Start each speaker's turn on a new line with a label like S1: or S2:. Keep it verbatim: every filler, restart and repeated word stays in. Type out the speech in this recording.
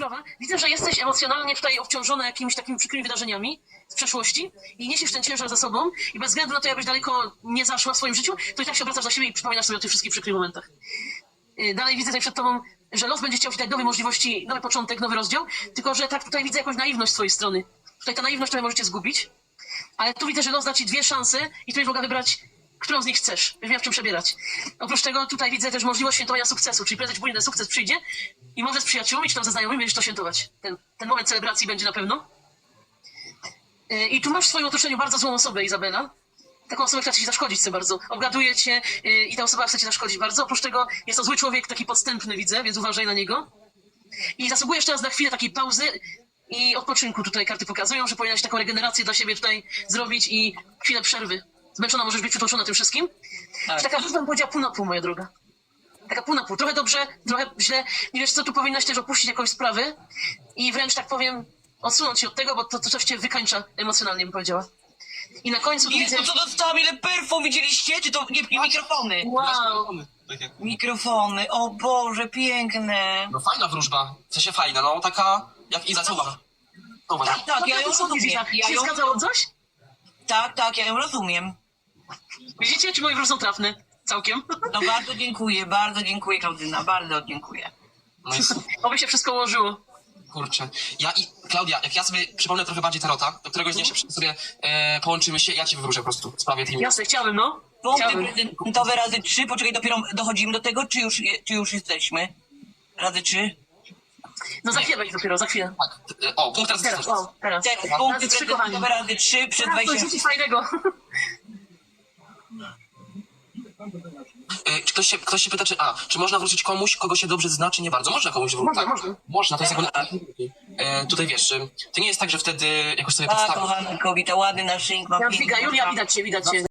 S1: sprawa. Widzę, że jesteś emocjonalnie tutaj obciążona jakimiś takimi przykrymi wydarzeniami z przeszłości i niesiesz ten ciężar za sobą i bez względu na to, jakbyś daleko nie zaszła w swoim życiu, to i tak się obracasz za siebie i przypominasz sobie o tych wszystkich przykrych momentach. Yy, Dalej widzę tutaj przed tobą, że los będzie chciał ci dać nowe możliwości, nowy początek, nowy rozdział, tylko że tak tutaj widzę jakąś naiwność z twojej strony. Tutaj ta naiwność trochę możecie zgubić, ale tu widzę, że los da ci dwie szanse i tu będziesz mogła wybrać, którą z nich chcesz. Będziesz miała w czym przebierać. Oprócz tego tutaj widzę też możliwość świętowania sukcesu, czyli prędzej czy później ten sukces przyjdzie i może z przyjaciółmi czy tam ze znajomymi będziesz to świętować. Ten, ten moment celebracji będzie na pewno. Yy, I tu masz w swoim otoczeniu bardzo złą osobę, Izabela. Taką osobę, która ci zaszkodzić chce bardzo. Obgaduje cię yy, i ta osoba chce ci zaszkodzić bardzo. Oprócz tego jest to zły człowiek, taki podstępny widzę, więc uważaj na niego. I zasługujesz teraz na chwilę takiej pauzy i odpoczynku. Tutaj karty pokazują, że powinnaś taką regenerację dla siebie tutaj zrobić i chwilę przerwy. Zmęczona możesz być przytłoczona tym wszystkim.
S2: Tak.
S1: I taka wróżba bym powiedziała pół na pół, moja droga. Taka pół na pół. Trochę dobrze, trochę źle. Nie wiesz co, tu powinnaś też opuścić jakąś sprawę i wręcz tak powiem odsunąć się od tego, bo to, to coś cię wykańcza emocjonalnie, bym powiedziała. I na końcu tu widzę...
S2: Jezu, co dostałam, ile perfum, widzieliście? Czy to nie, nie mikrofony?
S1: Wow!
S3: Tak jak...
S2: Mikrofony, o Boże, piękne.
S3: No fajna wróżba, w sensie fajna, no taka jak Iza, co uważasz? Co uważasz?
S2: Tak, tak,
S1: No
S2: ja
S1: to
S2: ją
S1: co sądzisz,
S2: rozumiem.
S1: Iza?
S2: Ja
S1: Się
S2: ją,
S1: zgadzało coś?
S2: tak, tak, ja ją rozumiem.
S1: Widzicie, czy moje wróżby są trafne? Całkiem.
S2: No bardzo dziękuję, bardzo dziękuję, Klaudyna, bardzo dziękuję.
S3: No jest,
S1: Oby się wszystko ułożyło.
S3: kurczę. Ja i Klaudia, jak ja sobie przypomnę trochę bardziej tarota, do któregoś dnia się sobie e, połączymy się, ja ci wywróżę po prostu w sprawie tej...
S1: Jasne, chciałbym, no.
S2: Punkty
S1: Chciałbym.
S2: prezentowe razy trzy, poczekaj, dopiero dochodzimy do tego, czy już, je- czy już jesteśmy? Razy trzy?
S1: No za chwilę będzie dopiero, za chwilę.
S3: Tak, e, o, punkt teraz...
S1: Teraz, o, teraz.
S2: Teraz, punkty
S1: Razy trzy, kochani.
S2: prezentowe razy trzy przed
S1: Teraz coś
S2: wejściem.
S1: rzucić fajnego.
S3: E, czy ktoś się, ktoś się pyta, czy... A, czy można wrócić komuś, kogo się dobrze zna, czy nie bardzo? Można komuś wrócić.
S1: Można,
S3: tak.
S1: można.
S3: Można, to jest jak... E, tutaj wiesz, e, to nie jest tak, że wtedy jakoś sobie
S2: A,
S3: podstawisz.
S2: kochana kobieta, ładny naszyjnik ma
S1: Jadwiga,
S2: piękny.
S1: Julia, widać cię, widać cię.